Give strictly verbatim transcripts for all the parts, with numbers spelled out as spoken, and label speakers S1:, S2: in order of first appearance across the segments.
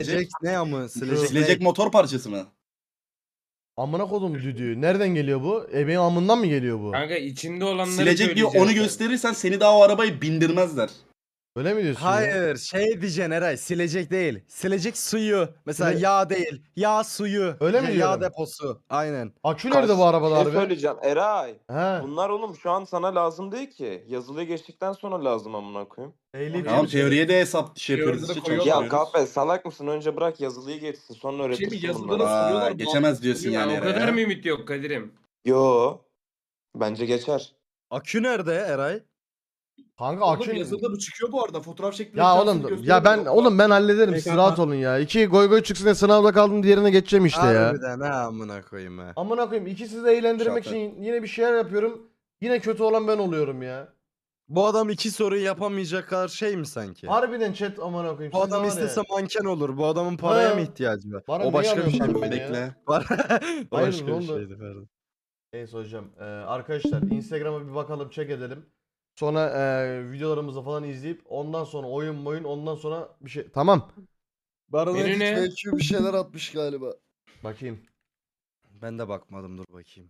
S1: Silecek ne ama silecek,
S2: Silecek motor parçası mı?
S3: Amına kodum düdüğü. Nereden geliyor bu? Ebeğin amından mı geliyor bu?
S4: Kanka içinde olanları
S2: Silecek diyor,
S4: söyleyeceksin
S2: onu
S4: sen.
S2: gösterirsen seni daha o arabayı bindirmezler.
S3: Öyle mi diyorsun ya?
S1: Hayır şey diyeceksin Eray, silecek değil. Silecek suyu. Mesela
S3: Sile-
S1: yağ değil. Yağ suyu.
S3: Öyle mi
S1: Ya-
S3: diyorum?
S1: Yağ deposu. Aynen.
S3: Akü nerede bu arabada
S5: Şey
S3: harbi?
S5: söyleyeceğim Eray.
S3: He.
S5: Bunlar oğlum şu an sana lazım değil ki. Yazılıya geçtikten sonra lazım amına koyayım.
S3: Ehliyet
S2: Tamam,
S3: bir şey.
S2: teoriye de hesap şey
S6: Teoride
S2: yapıyoruz
S6: de
S2: işte,
S6: koyuyorlar.
S5: Ya
S2: çalışıyoruz.
S5: kahpe salak mısın? Önce bırak yazılıyı geçsin sonra
S6: Şey mi,
S5: öğretirsin
S6: yazıda
S5: bunları.
S6: da
S2: Aa,
S6: soruyorlar.
S2: geçemez diyorsun
S6: Ya,
S2: yani
S4: O kadar
S2: Eray'a.
S4: mı ümit yok Kadir'im?
S5: Yo. Bence geçer.
S1: Akü nerede Eray?
S3: Kanka
S6: Oğlum
S3: akü...
S6: yazıda bu çıkıyor bu arada. Fotoğraf şeklinde.
S3: Ya
S6: etrafını
S3: oğlum
S6: gösteriyor
S3: ya ben
S6: bu.
S3: oğlum ben hallederim. Siz
S6: Peki,
S3: rahat
S6: ha.
S3: olun ya. İki goy goy çıksın diye sınavda kaldım, diğerine geçeceğim işte ya.
S1: Harbiden ha amına koyayım ha.
S3: Amına koyayım, ikisi de eğlendirmek
S2: Şaka.
S3: için yine bir şeyler yapıyorum. Yine kötü olan ben oluyorum ya.
S1: Bu adam iki soruyu yapamayacak kadar şey mi sanki?
S3: Harbiden chat amına koyayım.
S1: Bu
S3: siz
S1: adam
S3: var ya.
S1: istese manken olur. Bu adamın paraya
S3: Ha.
S1: mı ihtiyacı var?
S3: Bana
S1: O
S3: niye
S1: başka bir şey
S3: arıyorsun
S1: mi?
S3: beni ya?
S2: Bekle.
S1: Var. O
S3: Hayır,
S1: başka
S3: ne
S1: bir
S3: oldu?
S1: şeydi pardon.
S3: Neyse hocam. Ee, arkadaşlar Instagram'a bir bakalım, check edelim. Sonra e, videolarımızı falan izleyip ondan sonra oyun oyun ondan sonra bir şey. Tamam.
S4: Menü ne?
S1: Belki bir şeyler atmış galiba.
S3: Bakayım.
S1: Ben de bakmadım, dur bakayım.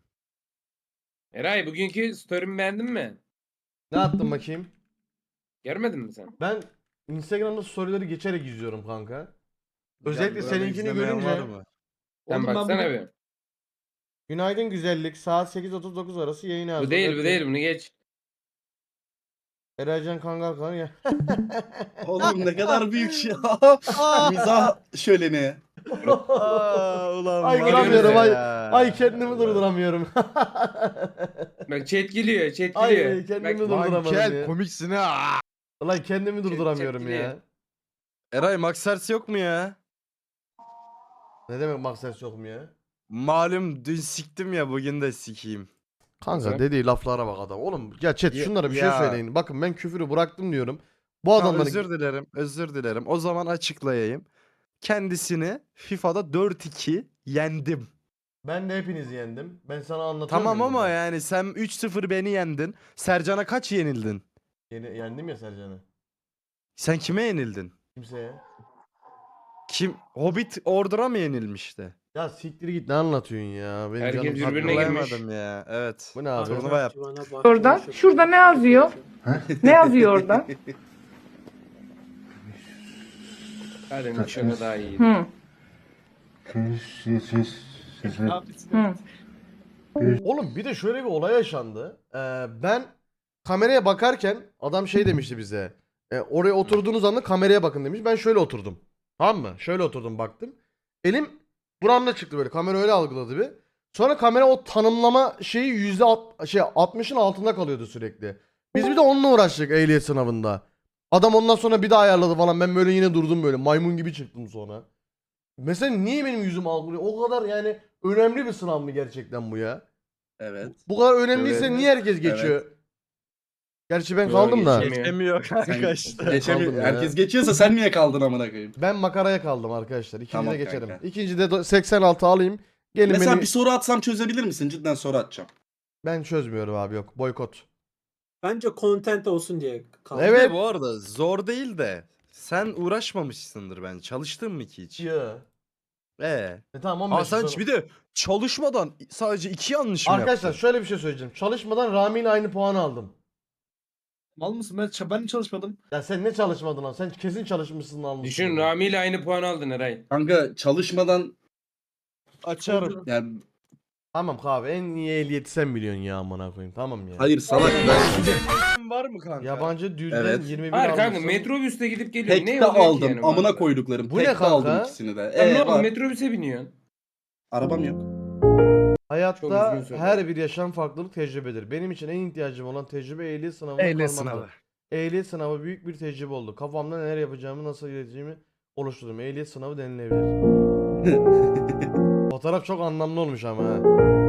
S4: Eray bugünkü story'mi beğendin mi?
S3: Ne attın bakayım?
S4: Görmedin mi sen?
S3: Ben Instagram'da storyleri geçerek izliyorum kanka. Özellikle
S1: Burada
S3: seninkini
S1: izlemeyen
S3: görünce.
S1: var mı?
S4: Sen
S6: Oğlum ben
S4: baksana
S6: bugün-
S4: bir.
S3: Günaydın güzellik. Saat sekiz otuz dokuz arası yayın hazır.
S4: Bu değil bu
S3: Öptüm.
S4: değil bunu geç.
S3: Eraycan Kangal kan ya.
S2: Oğlum ne kadar büyük ya. Mizah şöleni.
S1: Aa, ulan
S3: Ay
S1: var
S3: duramıyorum, ay-
S1: ya.
S3: Ay kendimi durduramıyorum.
S4: Bak chat geliyor chat
S3: Ay
S4: geliyor.
S3: kendimi
S4: Bak,
S3: durduramadım
S1: Mankel
S3: ya.
S1: komiksin ha.
S3: Ulan kendimi durduramıyorum
S4: çekti
S3: ya.
S1: Eray Maxers yok mu ya?
S3: Ne demek maksat yok mu ya?
S1: Malum dün siktim ya, bugün de sikeyim.
S3: Kanka
S4: Nasıl?
S3: dediği laflara bak adam. Oğlum ya chat
S1: Ya-
S3: şunlara bir şey
S1: ya.
S3: söyleyin. Bakın ben küfürü bıraktım diyorum. Bu
S1: Tamam,
S3: adamların
S1: özür dilerim, özür dilerim. O zaman açıklayayım. Kendisini FIFA'da dört iki yendim.
S3: ben de hepinizi yendim. Ben sana anlatıyorum.
S1: Tamam ama
S3: burada.
S1: yani sen üç sıfır beni yendin. Sercan'a kaç yenildin?
S3: Yeni, yendim ya Sercan'ı.
S1: Sen kime yenildin?
S3: Kimseye.
S1: Kim? Hobbit Order'a mı yenilmişti?
S3: Ya siktir git, ne anlatıyorsun ya? Benim
S4: Herkes
S3: canım
S4: birbirine
S3: sıkıldı.
S4: girmiş.
S1: Hatırlayamadım ya. Evet.
S3: Bu ne abi?
S1: Turnuva yap.
S7: Oradan. Şurada ne yazıyor? Ne yazıyor orada?
S4: Hadi nişanı daha iyi.
S7: Hı. Hı.
S3: Oğlum bir de şöyle bir olay yaşandı. Ee, ben kameraya bakarken adam şey demişti bize. E, oraya oturduğunuz anda kameraya bakın demiş. Ben şöyle oturdum. Tamam mı? Şöyle oturdum, baktım. Elim buramda çıktı böyle. Kamera öyle algıladı bir. Sonra kamera o tanımlama şeyi yüzde alt, şey altmışın altında kalıyordu sürekli. Biz bir de onunla uğraştık ehliyet sınavında. Adam ondan sonra bir daha ayarladı falan. Ben böyle yine durdum böyle. Maymun gibi çıktım sonra. Mesela niye benim yüzüm algılıyor? O kadar yani önemli bir sınav mı gerçekten bu ya?
S2: Evet.
S3: Bu kadar önemliyse
S2: Evet.
S3: niye herkes geçiyor? Gerçi ben
S4: Yo,
S3: kaldım da.
S4: geçemiyor.
S1: Geçemiyor
S2: Sen
S1: arkadaşlar.
S2: geçemi-
S3: Kaldım ya.
S2: Herkes geçiyorsa sen niye kaldın amına koyayım?
S3: Ben makaraya kaldım arkadaşlar. İkinci
S2: Tamam
S3: de geçerim.
S2: kanka.
S3: İkinci de do- seksen altı alayım. Gelin
S2: Mesela
S3: beni.
S2: bir soru atsam çözebilir misin? Cidden soru atacağım.
S3: Ben çözmüyorum abi, yok. Boykot.
S8: Bence content olsun diye kaldı.
S3: Evet.
S1: Evet. Bu arada zor değil de sen uğraşmamışsındır bence. Çalıştın mı ki hiç?
S3: Ya.
S1: Ee.
S3: E tamam, on beş
S1: Aa, sen
S3: soru.
S1: bir de çalışmadan sadece iki yanlış mı
S3: Arkadaşlar
S1: yaptın?
S3: şöyle bir şey söyleyeceğim. Çalışmadan Rami ile aynı puanı aldım.
S6: Mal mısın? Ben, ç- ben çalışmadım.
S3: Ya sen ne çalışmadın lan? Sen kesin çalışmışsın, almışsın.
S4: Düşün Rami ile aynı puan aldın Eray.
S2: Kanka çalışmadan
S1: Açarım.
S2: yani
S3: Tamam kahve, en iyi ehliyeti sen biliyorsun ya, amına koyayım. Tamam ya.
S2: hayır salak ben
S1: Var mı kanka?
S3: Yabancı düzden
S2: Evet.
S3: yirmi bir
S4: Hayır kanka
S3: almışsın.
S4: metrobüste gidip geliyor.
S2: tek
S4: Ne
S2: de
S4: oluyor ki
S2: aldım.
S4: yani bu
S2: Amına
S4: arada?
S2: koyduklarım.
S3: Bu
S2: tek
S3: ne
S2: de
S3: kanka?
S2: aldım ikisini de.
S4: Sen ne
S2: Ee,
S4: oldu
S2: var.
S4: metrobüse biniyorsun?
S2: Arabam yok.
S4: Çok
S3: Hayatta
S4: üzgün söyle.
S3: her bir yaşam farklılık tecrübedir. Benim için en ihtiyacım olan tecrübe ehliyet sınavına
S1: Ehliyet
S3: kalmaktır.
S1: sınavı.
S3: Ehliyet sınavı büyük bir tecrübe oldu. Kafamda neler yapacağımı, nasıl ileteceğimi oluşturdum. Ehliyet sınavı denilebilir. Fotoğraf çok anlamlı olmuş ama ha.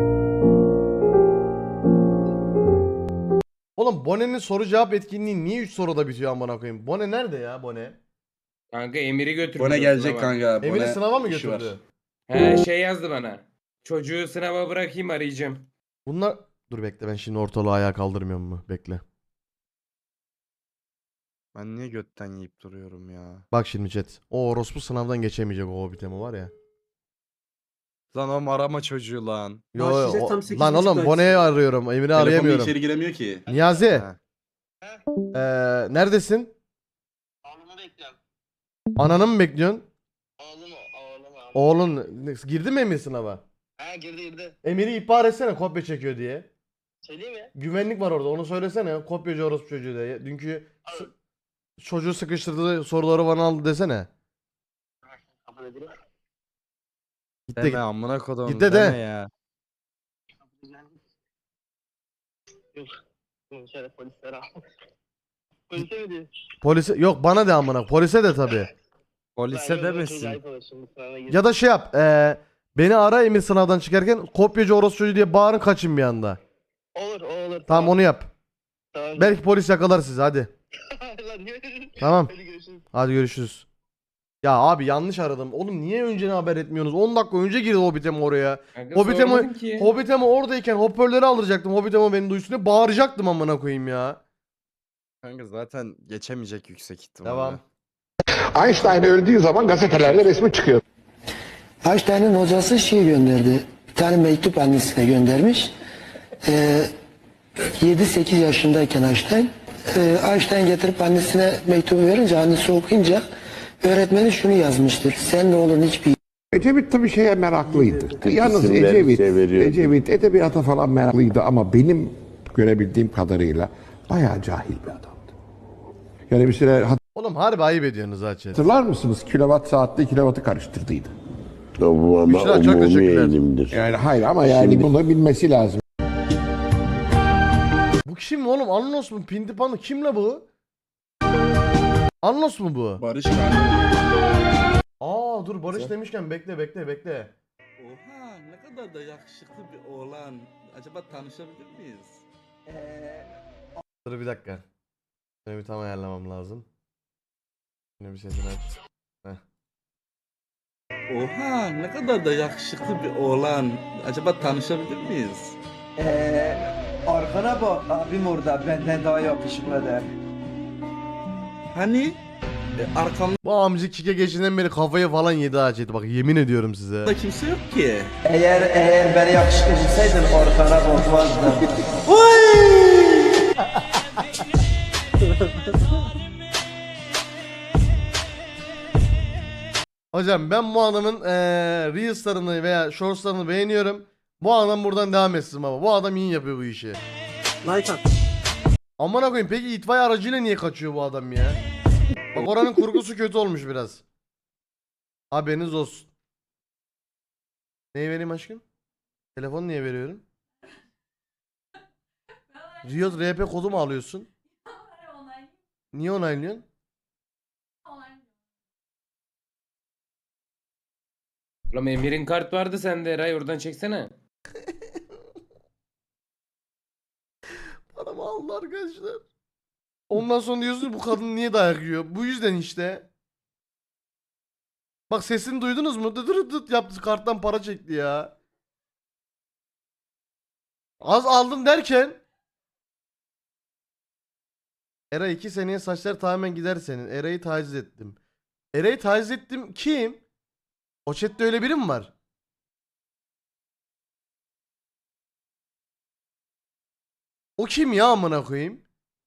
S3: Oğlum Bone'nin soru cevap etkinliği niye üç soruda bitiyor amına koyayım? Bone nerede ya, Bone?
S4: Kanka Emir'i götürdü.
S2: Bone gelecek kanka.
S3: Emir'i
S2: Bone
S3: sınava mı
S2: işi var.
S3: götürdü?
S4: He şey yazdı bana. Çocuğu sınava bırakayım arayacağım.
S3: Bunlar... Dur bekle, ben şimdi ortalığı ayağa kaldırmıyorum mu? Bekle.
S1: Ben niye götten yiyip duruyorum ya?
S3: Bak şimdi chat. O orospu sınavdan geçemeyecek o Hobbit'e var ya.
S1: Lan o marama çocuğu lan.
S3: Yo,
S8: Başlayacak
S3: o-
S8: tam sekiz
S3: lan
S8: buçukta
S3: oğlum
S8: açsın.
S3: Bone'yi arıyorum. Emir'i
S2: Telefonla
S3: arayamıyorum.
S2: içeri giremiyor ki.
S3: Niyazi.
S1: Ha.
S3: Eee neredesin?
S9: Oğlumu bekliyorum.
S3: Ananı mı bekliyorsun?
S9: Oğlumu, oğlumu. oğlumu.
S3: Oğlun ne- girdi mi Emir sınava?
S9: Ha girdi girdi.
S3: Emir'i ihbar etsene kopya çekiyor diye.
S9: Söyleyeyim mi?
S3: Güvenlik var orada onu söylesene. Kopyacı orospu çocuğu diye. Dünkü s- çocuğu sıkıştırdı soruları bana aldı desene.
S9: Kapıda biri.
S3: Git de
S1: Deme
S3: git.
S1: amına kodum.
S3: Git de
S1: deme
S3: de.
S1: ya.
S9: Yok. Bunu şöyle polislere al. Polise mi diyor?
S3: Polise yok bana de amına. Polise de tabii.
S1: Polise demesin.
S3: Ya da şey yap. eee, beni ara Emir sınavdan çıkarken kopyacı orospu çocuğu diye bağırın kaçın bir anda.
S9: Olur o olur.
S3: Tamam onu yap.
S9: Tamam.
S3: Belki polis yakalar sizi hadi.
S9: Lan niye?
S3: Tamam.
S9: Hadi görüşürüz.
S3: Hadi görüşürüz. Ya abi yanlış aradım. Oğlum niye önceden haber etmiyorsunuz? on dakika önce girdi Hobbit'em oraya.
S4: Kanka
S3: Hobbit'em
S4: sormadın ki.
S3: Hobbit'em oradayken hoparlörleri aldıracaktım. Hobbit'em beni duysun diye bağıracaktım amına koyayım ya.
S1: Kanka zaten geçemeyecek yüksek ihtimalle.
S3: Devam.
S10: Einstein öldüğü zaman gazetelerde resmi çıkıyor.
S11: Einstein'ın hocası şey gönderdi. Bir tane mektup annesine göndermiş. Ee, yedi sekiz yaşındayken Einstein. Ee, Einstein getirip annesine mektubu verince, annesi okuyunca öğretmeni şunu yazmıştır. Senin oğlun hiçbir
S10: Ecevit tabii şeye meraklıydı. Yalnız Ecevit, Ecevit edebiyata falan meraklıydı ama benim görebildiğim kadarıyla bayağı cahil bir adamdı. Yani bir süre
S3: Oğlum harbi ayıp ediyorsunuz ha chat.
S10: hatırlar mısınız? Kilowatt saatte kilovatı karıştırdıydı.
S3: Bu ama Büşra, çok teşekkürler.
S10: Yani hayır ama yani bunu bilmesi lazım.
S3: Bu kim oğlum? Anlos mu? Pintipanı kim la bu? Anlos mu bu?
S2: Barış kanka.
S3: Aa dur Barış demişken bekle bekle bekle.
S2: Oha ne kadar da yakışıklı bir oğlan. Acaba tanışabilir miyiz?
S3: Dur bir dakika. Şunu bir tam ayarlamam lazım. Şunu bir sesini aç. Heh.
S2: Oha ne kadar da yakışıklı bir oğlan. Acaba tanışabilir miyiz?
S6: Arkana bak abim orada benden daha yakışıklı der.
S2: Hani? E, arkamda
S3: Bu amcık kike geçinden beri kafayı falan yedi ha chat. Bak yemin ediyorum size.
S2: kimse yok ki.
S6: Eğer eğer beni yakışıklı bulsaydın arkana bakmazdım.
S3: Hocam ben bu adamın eee Reels'larını veya Shorts'larını beğeniyorum. Bu adam buradan devam etsin baba. Bu adam iyi yapıyor bu işi.
S8: Like at.
S3: Amına koyayım peki itfaiye aracıyla niye kaçıyor bu adam ya? Bak oranın kurgusu kötü olmuş biraz. Haberiniz olsun. Neyi vereyim aşkım? Telefonu niye veriyorum? Riot R P kodu mu alıyorsun? Niye onaylıyorsun?
S4: Ulan Emir'in kart vardı sende Eray oradan çeksene.
S3: Paramı aldı arkadaşlar. Ondan sonra diyorsun bu kadın niye dayak yiyor? Bu yüzden işte. Bak sesini duydunuz mu? Dıt dıt dıt yaptı karttan para çekti ya. Az aldım derken. Eray iki seneye saçlar tamamen gider senin. Eray'ı taciz ettim. Eray'ı taciz ettim kim? O chatte öyle biri mi var? O kim ya amına koyayım?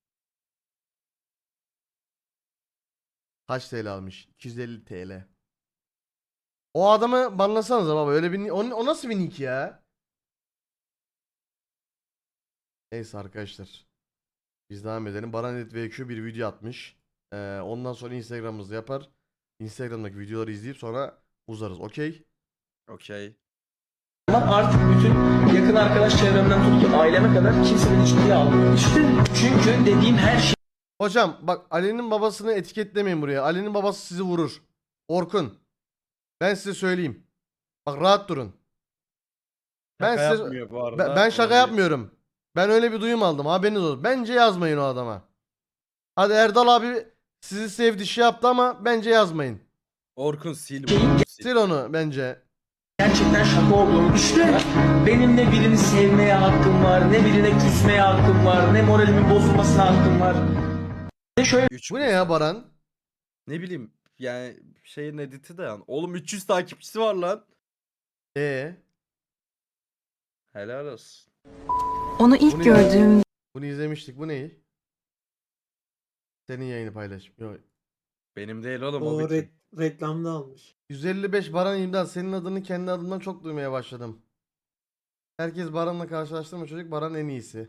S3: Kaç T L almış? iki yüz elli T L. O adamı banlasanıza baba. Öyle bir o, o nasıl bir nick ya? Neyse arkadaşlar. Biz devam edelim. Baranet V Q bir video atmış. Ee, ondan sonra Instagram'ımızda yapar. Instagram'daki videoları izleyip sonra uzarız. Okey?
S1: Okey.
S6: Artık bütün yakın arkadaş çevremden tut ki aileme kadar kimse beni ciddiye almıyor. Çünkü dediğim her şey
S3: Hocam bak Ali'nin babasını etiketlemeyin buraya. Ali'nin babası sizi vurur. Orkun. Ben size söyleyeyim. Bak rahat durun. Ben
S1: Şaka
S3: size
S1: yapmıyor bu arada.
S3: ben, ben şaka
S1: Öyle-
S3: yapmıyorum. Ben öyle bir duyum aldım. Haberiniz olsun. Bence yazmayın o adama. Hadi Erdal abi sizi sevdi şey yaptı ama bence yazmayın.
S1: Orkun sil bunu. Sil.
S3: Sil onu bence.
S6: gerçekten şaka olduğunu düşünüyorum. Benim ne birini sevmeye hakkım var, ne birine küsmeye hakkım var, ne moralimin bozulmasına hakkım var. şöyle
S1: Üç
S3: Bu ne ya Baran?
S1: Ne bileyim yani şeyin editi de yani. Oğlum üç yüz takipçisi var lan.
S3: Ee,
S1: Helal olsun.
S7: Onu
S3: Bunu
S7: ilk gördüğüm
S3: bunu izlemiştik. Bu ne? Senin yayını paylaş. Yok.
S1: Benim değil oğlum o,
S8: O
S1: bütün.
S8: re- reklamda almış.
S3: yüz elli beş Baran imdat. Senin adını kendi adımdan çok duymaya başladım. Herkes Baran'la karşılaştırma çocuk. Baran en iyisi.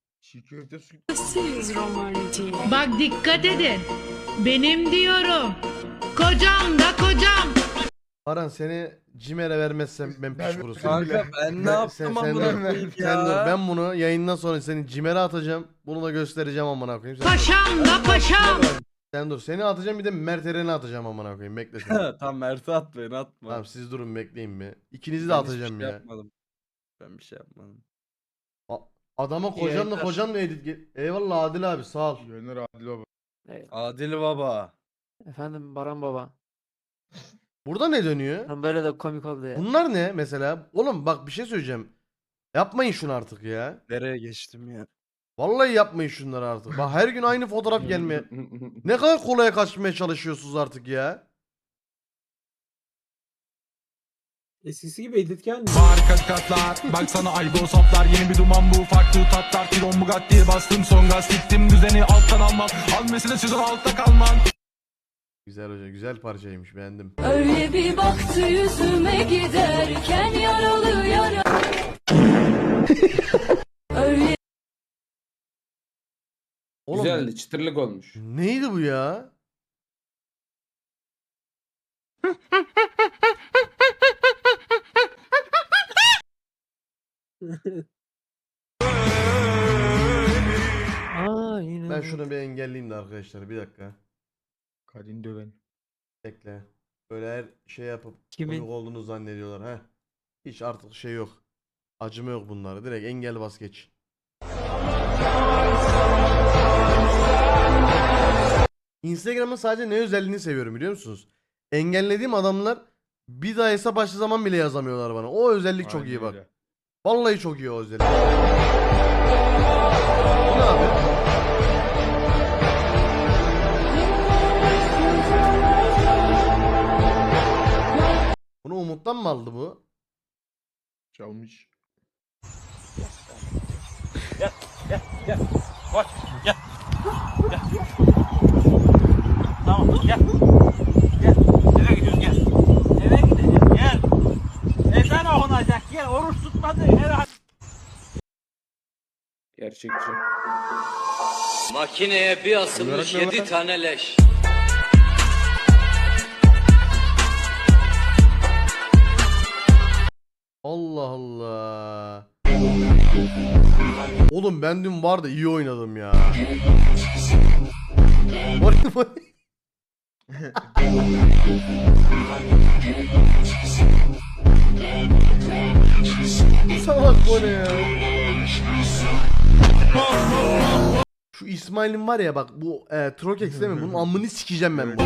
S7: Bak dikkat edin. Benim diyorum. Kocam da kocam.
S3: Baran seni Cimer'e vermezsem ben piç kurusu.
S1: Kanka ben ne
S3: Ben-
S1: yaptım
S3: sen, sen,
S1: amına
S3: dur,
S1: koyayım
S3: sen dur.
S1: ya.
S3: Ben bunu yayından sonra seni Cimer'e atacağım. Bunu da göstereceğim amına koyayım. Sen dur.
S7: Paşam da paşam.
S3: Sen dur. Seni atacağım bir de Mert Eren'i atacağım amına koyayım. Bekle sen.
S1: Tamam Mert'e at beni atma.
S3: Tamam siz durun bekleyin bir. İkinizi de
S1: Ben hiçbir
S3: atacağım
S1: şey
S3: ya.
S1: yapmadım. Ben bir şey yapmadım.
S3: Adama kocanla
S8: Yayınlar.
S3: kocanla edit. ge- Eyvallah Adil abi sağ ol.
S1: Adil Baba.
S6: Efendim Baran baba.
S3: Burada ne dönüyor?
S6: Böyle de komik oldu ya.
S3: Bunlar ne mesela? Oğlum bak bir şey söyleyeceğim. Yapmayın şunu artık ya.
S1: Nereye geçtim ya?
S3: Vallahi yapmayın şunları artık. Bak her gün aynı fotoğraf gelmeye. Ne kadar kolaya kaçmaya çalışıyorsunuz artık ya.
S8: Eskisi gibi edit gelmiyor.
S12: Harika katlar baksana aygo saplar yeni bir duman bu farklı tatlar Tiron Bugatti bastım son gaz siktim düzeni alttan almam al mesele sezon altta kalman.
S3: Güzel hoca güzel parçaymış beğendim.
S7: Öyle bir baktı yüzüme giderken yaralı yara. Öyle
S3: Oğlum
S4: Güzeldi, çıtırlık olmuş.
S3: neydi bu ya?
S6: Aa yine.
S3: Ben şunu bir engelleyeyim de arkadaşlar bir dakika.
S12: Kadın döven.
S3: Bekle. Böyle her şey yapıp
S6: Kimin?
S3: komik olduğunu zannediyorlar he. Hiç artık şey yok. Acıma yok bunlara. Direkt engel bas geç. Instagram'ın sadece ne özelliğini seviyorum biliyor musunuz? Engellediğim adamlar bir daha hesap açtığı zaman bile yazamıyorlar bana. O özellik çok iyi bak. Vallahi çok iyi o özellik. Bu ne abi? Bunu Umut'tan mı aldı bu?
S12: Çalmış.
S4: Gerçekçi.
S6: Makineye bir asılmış yedi tane leş.
S3: Allah Allah. Oğlum ben dün vardı iyi oynadım ya. Var var. Salak bu ne ya? Şu İsmail'in var ya bak bu e, Trokex değil mi? Bunun amını sikeceğim ben bunu.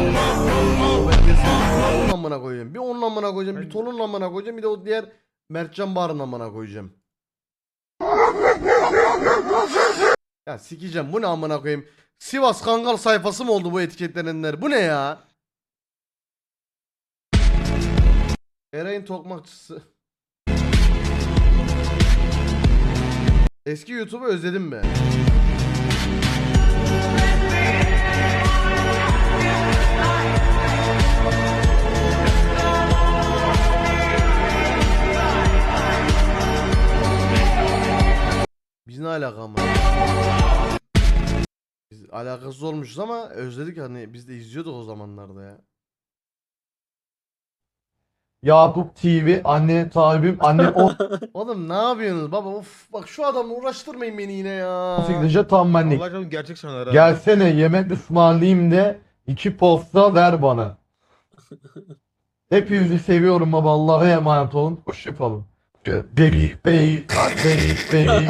S3: Onun amına koyacağım. Bir onun amına koyacağım, bir Tolun'un amına koyacağım, bir de o diğer Mertcan Bağır'ın amına koyacağım. Ya sikeceğim bu ne amına koyayım. Sivas Kangal sayfası mı oldu bu etiketlenenler? Bu ne ya? Eray'ın tokmakçısı. Eski YouTube'u özledim be. Biz ne alaka ama? Biz alakasız olmuşuz ama özledik hani biz de izliyorduk o zamanlarda ya.
S12: Yakup T V anne sahibim anne
S3: Oğlum ne yapıyorsunuz baba? Of bak şu adamla uğraştırmayın beni yine ya.
S12: on sekiz tam benlik.
S2: Allah gerçek sanır ha.
S12: Gelsene yemek ısmarlayayım de iki posta ver bana. Hepinizi seviyorum baba. Allah'a emanet olun. Hoşçakalın. Baby baby baby baby.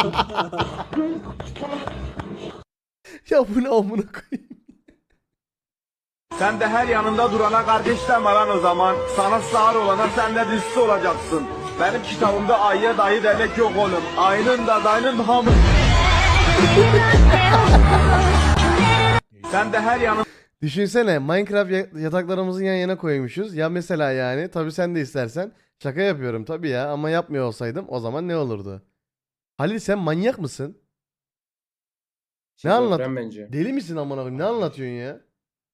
S3: Ya bu ne amına koyayım.
S12: Sen de her yanında durana kardeş deme lan o zaman. Sana sağır olana sen de dizisi olacaksın. Benim kitabımda ayıya dayı demek yok oğlum. Ayının da dayının hamı. Sen de her yanında
S3: Düşünsene Minecraft ya- yataklarımızı yan yana koymuşuz. Ya mesela yani tabii sen de istersen. Şaka yapıyorum tabii ya ama yapmıyor olsaydım o zaman ne olurdu? Halil sen manyak mısın? Ne anlat?
S4: Şizofren bence.
S3: Deli misin amına koyayım? Ne anlatıyorsun ya?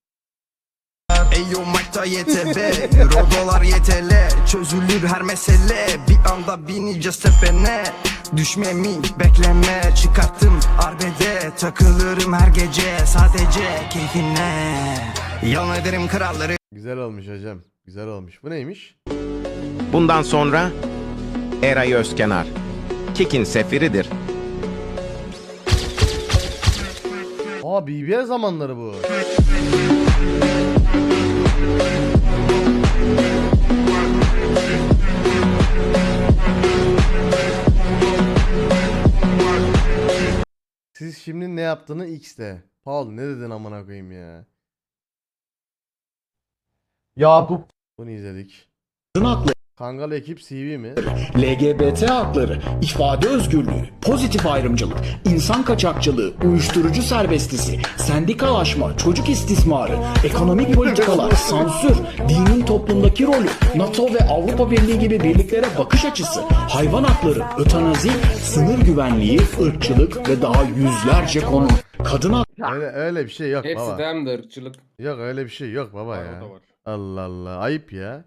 S6: Eyo makta Y T B, Rodolar Y T L, çözülür her mesele. Bir anda bineceğiz tepene. Düşmemi bekleme, çıkarttım arbede. Takılırım her gece sadece keyfine. Yalan ederim kralları.
S3: Güzel olmuş hocam. Güzel olmuş. Bu neymiş?
S12: Bundan sonra Eray Özkenar Kik'in sefiridir.
S3: Aa B B L zamanları bu. Siz şimdi ne yaptığını X'te. Paul ne dedin amına koyayım ya? Yakup. Bunu izledik. Kangal ekip C V mi?
S6: L G B T hakları, ifade özgürlüğü, pozitif ayrımcılık, insan kaçakçılığı, uyuşturucu serbestisi, sendikalaşma, çocuk istismarı, ekonomik politikalar, sansür, dinin toplumdaki rolü, NATO ve Avrupa Birliği gibi birliklere bakış açısı, hayvan hakları, ötenazi, sınır güvenliği, ırkçılık ve daha yüzlerce konu. Kadın hakları.
S3: Öyle öyle bir şey yok
S4: Hepsi
S3: baba.
S4: tamam da ırkçılık.
S3: Yok öyle bir şey yok baba ya. Allah Allah ayıp ya.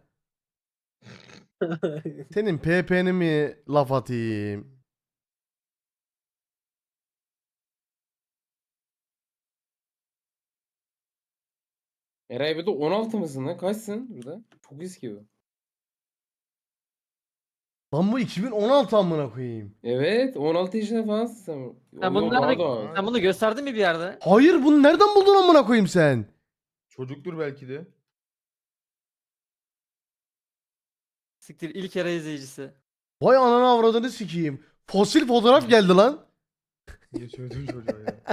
S3: Senin P P'ni mi laf atayım?
S4: Eray bir de on altı mısın lan? Kaçsın burada? Çok eski bu.
S3: Lan bu iki bin on altı amına koyayım.
S4: Evet, on altı yaşında falansın sen.
S13: Sen
S4: Oğlum,
S13: bunu,
S4: daha
S13: nerede,
S4: da-
S13: sen bunu gösterdin mi bir yerde?
S3: Hayır bunu nereden buldun amına koyayım sen?
S1: Çocuktur belki de.
S13: Siktir ilk Eray izleyicisi.
S3: Vay ananı avradını sikeyim. Fosil fotoğraf geldi lan.
S1: Niye söyledin çocuğa ya?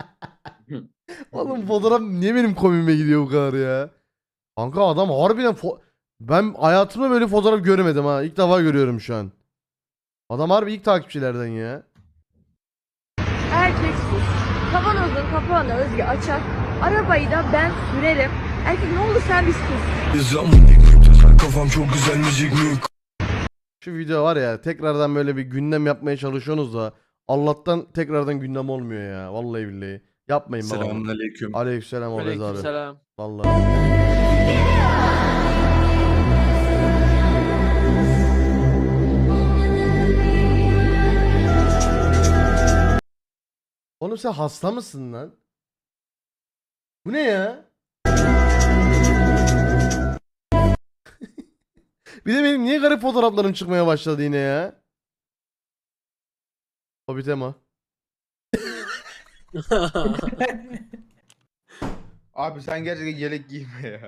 S3: Oğlum fotoğraf niye benim komiğime gidiyor bu kadar ya? Kanka adam harbiden fo- ben hayatımda böyle fotoğraf göremedim ha. İlk defa görüyorum şu an. Adam harbi ilk takipçilerden ya.
S7: Erkeksiz. Kavanozun kapağını Özge açar. Arabayı da ben sürerim. Erkek ne olur sen biz kız.
S6: Kafam çok güzel müzik mi?
S3: Şu video var ya tekrardan böyle bir gündem yapmaya çalışıyorsunuz da Allah'tan tekrardan gündem olmuyor ya. Vallahi billahi. Yapmayın baba.
S1: Selamünaleyküm.
S3: Aleykümselam Orez abi.
S13: Aleykümselam.
S3: Vallahi. Oğlum sen hasta mısın lan? Bu ne ya? Bir de benim niye garip fotoğraflarım çıkmaya başladı yine ya? Hobbit Emma.
S1: Abi sen gerçekten yelek giyme ya.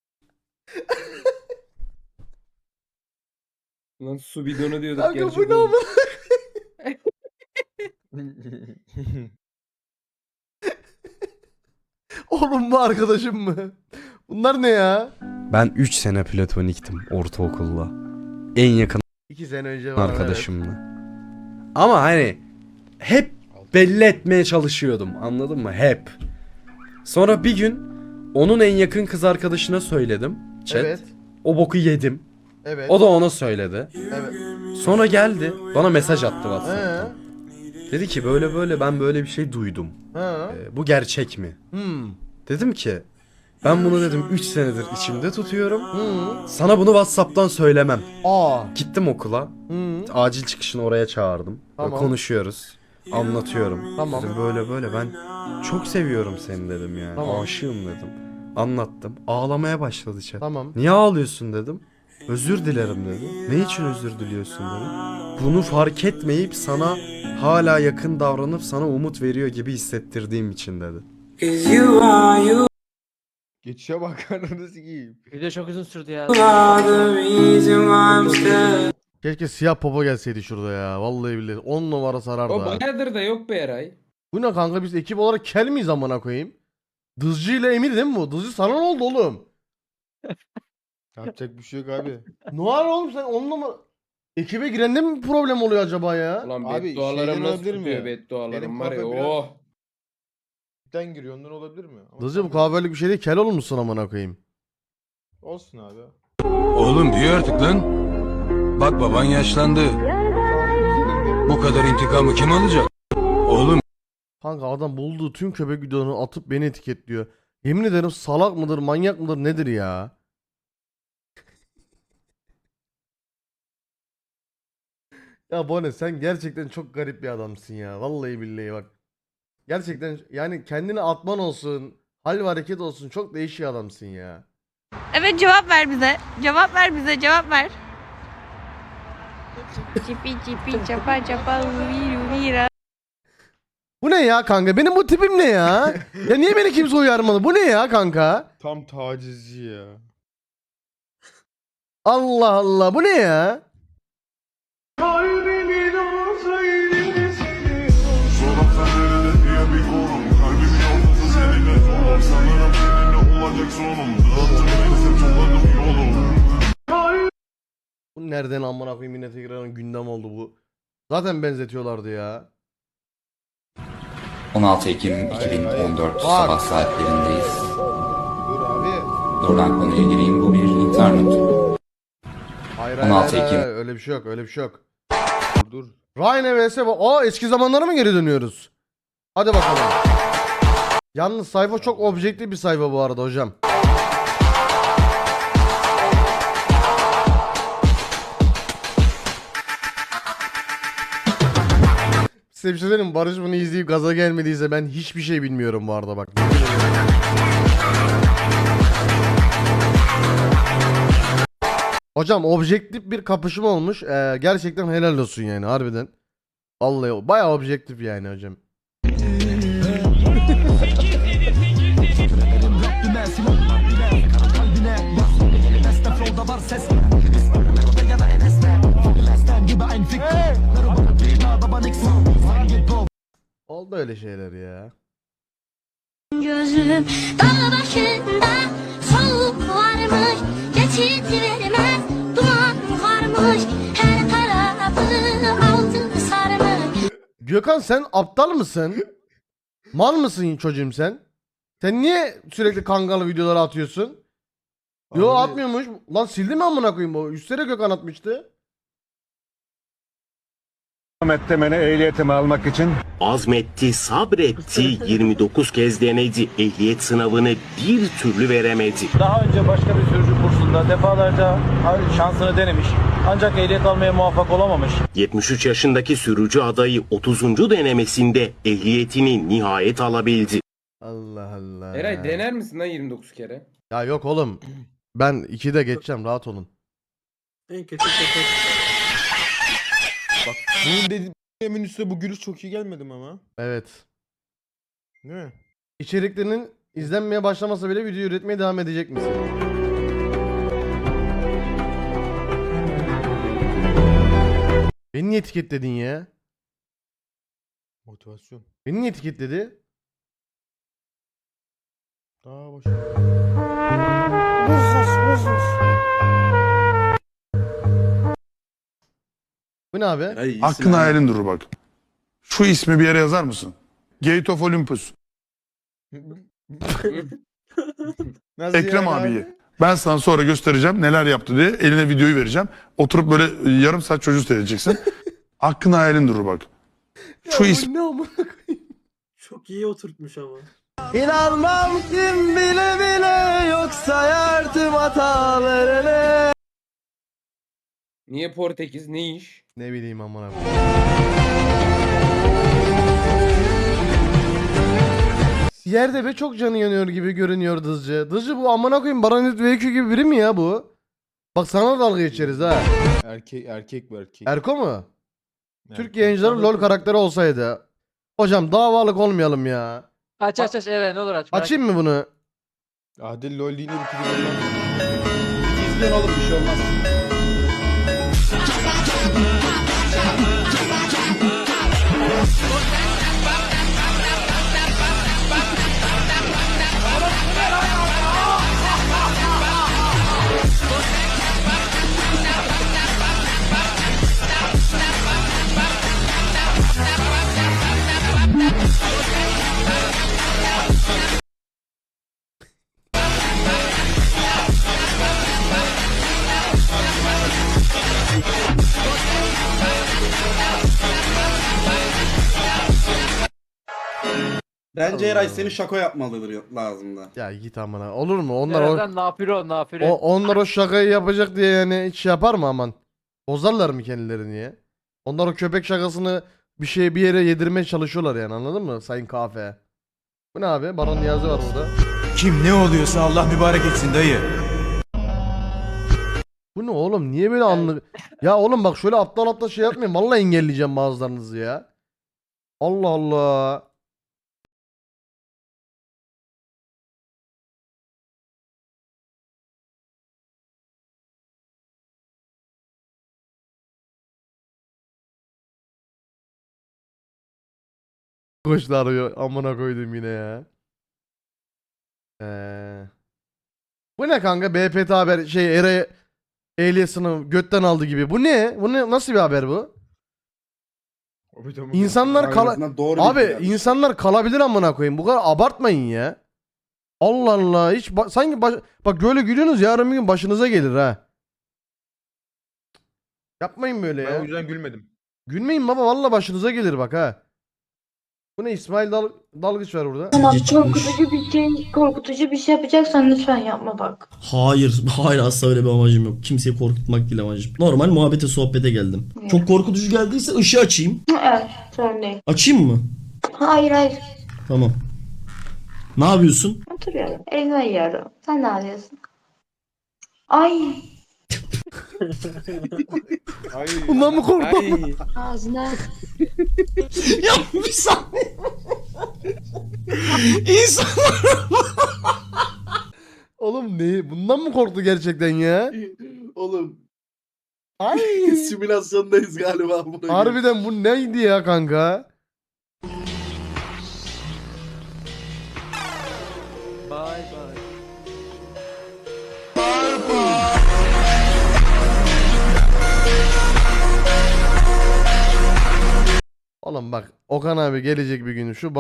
S4: Lan su bidonu diyorduk.
S3: Kanka bu
S4: gerçek
S3: ne
S4: oldu.
S3: ama? Oğlum bu arkadaşım mı? Bunlar ne ya?
S1: Ben üç sene platoniktim ortaokulda. En yakın
S3: İki sene önce var.
S1: arkadaşımla. Ama hani hep belli etmeye çalışıyordum. Anladın mı? Hep. Sonra bir gün onun en yakın kız arkadaşına söyledim. Chat.
S3: Evet.
S1: O boku yedim.
S3: Evet.
S1: O da ona söyledi.
S3: Evet.
S1: Sonra geldi. Bana mesaj attı
S3: He.
S1: WhatsApp'tan. Dedi ki böyle böyle ben böyle bir şey duydum.
S3: He.
S1: Ee, bu gerçek mi?
S3: Hmm.
S1: Dedim ki ben bunu dedim üç senedir içimde tutuyorum.
S3: Hmm.
S1: Sana bunu WhatsApp'tan söylemem.
S3: Aa.
S1: Gittim okula.
S3: Hmm.
S1: Acil çıkışını oraya çağırdım.
S3: Tamam.
S1: Böyle konuşuyoruz. Anlatıyorum.
S3: Tamam.
S1: Dedim böyle böyle ben çok seviyorum seni dedim yani.
S3: Tamam.
S1: Aşığım dedim. Anlattım. Ağlamaya başladı chat.
S3: Tamam.
S1: Niye ağlıyorsun dedim. Özür dilerim dedi. Ne için özür diliyorsun dedim. Bunu fark etmeyip sana hala yakın davranıp sana umut veriyor gibi hissettirdiğim için dedi. Geçişe bak ananı sikeyim.
S13: Video çok uzun sürdü ya.
S3: Keşke siyah popo gelseydi şurada ya. Vallahi billahi. on numara sarardı
S4: O
S3: ha.
S4: bayağıdır da yok be Eray.
S3: Bu ne kanka biz ekip olarak kel miyiz amına koyayım? Dızcı ile Emir değil mi bu? Dızcı sana ne oldu oğlum?
S1: Yapacak bir şey yok abi.
S3: Ne var oğlum sen on numara... Ekibe girende mi problem oluyor acaba ya?
S4: Ulan
S1: Abi,
S4: beddualarım
S1: şeyden
S4: nasıl
S1: olabilir mi?
S4: tutuyor beddualarım
S1: Benim
S4: var ya
S1: kafa biraz-
S4: oh.
S12: ipten giriyor. Ondan olabilir mi? Ama
S3: Dızcı bu kahvelik bir şey değil. Kel olmuşsun amına koyayım.
S12: olsun abi.
S14: Oğlum büyü artık lan. Bak baban yaşlandı. Bu kadar intikamı kim alacak? Oğlum
S3: Kanka adam bulduğu tüm köpek videolarını atıp beni etiketliyor. Yemin ederim salak mıdır, manyak mıdır, nedir ya? Ya Bone sen gerçekten çok garip bir adamsın ya. Vallahi billahi bak. Gerçekten yani kendini atman olsun, hal ve hareket olsun çok değişik adamsın ya.
S7: Evet, cevap ver bize. Cevap ver bize, cevap ver. Cipi cipi çapa çapa uvi uvi.
S3: Bu ne ya kanka? Benim bu tipim ne ya? Ya niye beni kimse uyarmadı? Bu ne ya kanka?
S12: Tam tacizci ya.
S3: Allah Allah bu ne ya? Bu nereden amına koyayım yine tekrardan gündem oldu bu. Zaten benzetiyorlardı ya.
S15: on altı Ekim iki bin on dört
S3: Bak.
S15: sabah saatlerindeyiz.
S12: Dur abi.
S15: Doğrudan konuya gireyim. Bu bir intihar notu.
S3: Hayır
S15: on
S3: hayır,
S15: altı
S3: hayır,
S15: Ekim.
S3: hayır, öyle bir şey yok öyle bir şey yok.
S12: Dur dur.
S3: Ryan vs. Aa eski zamanlara mı geri dönüyoruz? Hadi bakalım. Yalnız sayfa çok objektif bir sayfa bu arada hocam. Size bir şey söyleyeyim mi? Barış bunu izleyip gaza gelmediyse ben hiçbir şey bilmiyorum bu arada bak. Hocam objektif bir kapışma olmuş. Ee, gerçekten helal olsun yani harbiden. Vallahi bayağı objektif yani hocam. Oldu öyle şeyler ya.
S7: Gözüm dağ başında soğuk varmış, geçit vermez duman varmış, her tarafı altın sarmış.
S3: Gökhan sen aptal mısın? Mal mısın çocuğum sen? Sen niye sürekli kangalı videoları atıyorsun? Yo
S12: Abi-
S3: atmıyormuş. Lan sildi mi amına koyayım bu? Üstlere Gökhan atmıştı.
S14: Mettemene ehliyetimi almak için
S9: Azmetti, sabretti, yirmi dokuz kez denedi. Ehliyet sınavını bir türlü veremedi.
S14: daha önce başka bir sürücü kursunda defalarca şansını denemiş. Ancak ehliyet almaya muvaffak olamamış.
S9: yetmiş üç yaşındaki sürücü adayı otuzuncu denemesinde ehliyetini nihayet alabildi.
S3: Allah Allah.
S4: Eray dener misin lan yirmi dokuz kere?
S3: Ya yok oğlum. Ben ikide geçeceğim rahat olun.
S8: En kötü köpek.
S12: Bak bunun dediğimin üstüne bu gülüş çok iyi gelmedi mi ama?
S3: Evet.
S12: Değil mi?
S3: İçeriklerinin izlenmeye başlamasa bile video üretmeye devam edecek misin? Beni niye etiketledin ya?
S12: Motivasyon.
S3: Beni niye etiketledi?
S12: Daha boş.
S3: Bu ne abi?
S2: Hakkın hayalin durur bak. Şu ismi bir yere yazar mısın? Gate of Olympus.
S12: Nasıl
S2: Ekrem
S12: yani
S2: abiyi. Ben sana sonra göstereceğim neler yaptı diye. Eline videoyu vereceğim. Oturup böyle yarım saat çocuğu seyredeceksin. Hakkın hayalin durur bak. Şu
S3: Ya bu
S2: ismi
S3: ne amına koyayım?
S8: Çok iyi oturtmuş ama.
S3: İnanmam kim bile bile yoksa yardım hatalarını.
S4: Niye Portekiz? Ne iş?
S3: Ne bileyim amına. Yerde be çok canı yanıyor gibi görünüyor Dızcı. Dızcı bu amına koyayım Baranit V Q gibi biri mi ya bu? Bak sana dalga geçeriz ha.
S12: Erkek erkek bu erkek.
S3: Erko mu?
S12: Erkek.
S3: Türk yayıncıları LoL karakteri olsaydı. Hocam davalık olmayalım ya.
S13: Aç aç aç evet ne olur aç. merak
S3: Açayım mı bunu?
S12: Adil lol yine bir kere İzleyin oğlum bir şey olmaz.
S3: Bence
S1: Eray
S3: seni
S1: şaka yapmalıdır lazım da.
S3: Ya git amına. Olur mu? Onlar o,
S13: Nereden nafile nafile.
S3: o onlar o şakayı yapacak diye yani hiç yapar mı aman? Bozarlar mı kendilerini ya? Onlar o köpek şakasını bir şeye bir yere yedirmeye çalışıyorlar yani, anladın mı Sayın Kafe? Bu ne abi? Baran Niyazi var burada.
S12: Kim ne oluyorsa Allah mübarek etsin dayı.
S3: Bu ne oğlum? Niye böyle anlık? Ya oğlum bak şöyle aptal aptal şey yapmayın. Vallahi engelleyeceğim bazılarınızı ya. Allah Allah. Koçlar arıyor. Amına koydum yine ya. Ee, bu ne kanka? B P T haber şey Eray ehliyet sınavı götten aldı gibi. Bu ne? Bu ne? Nasıl bir haber bu? İnsanlar kala Abi insanlar kalabilir amına koyayım. Bu kadar abartmayın ya. Allah Allah. Hiç ba- sanki baş- bak böyle gülüyorsunuz, yarın bir gün başınıza gelir ha. Yapmayın böyle ya.
S12: Ben o yüzden gülmedim.
S3: Gülmeyin baba, vallahi başınıza gelir bak ha. Bu ne? İsmail Dal Dalgıç var burada.
S7: Tamam, korkutucu bir şey, korkutucu bir şey yapacaksan lütfen yapma bak.
S6: Hayır, hayır asla öyle bir amacım yok. Kimseyi korkutmak değil amacım. Normal muhabbete, sohbete geldim. Çok korkutucu geldiyse ışığı açayım.
S7: Evet, sorun değil.
S6: Açayım mı?
S7: Hayır hayır.
S6: Tamam. Ne yapıyorsun?
S7: Oturuyorum. Elini yiyorum. Sen ne yapıyorsun? Ay.
S3: Bundan mı korktun?
S7: Ağzına.
S6: Ya bir saniye. İnsanlar...
S3: Oğlum ne? Bundan mı korktu gerçekten ya?
S1: Oğlum
S3: Ay.
S1: simülasyondayız galiba.
S3: Harbiden bu neydi ya kanka?
S13: Bye bye.
S3: Oğlum bak Okan abi gelecek bir gün şu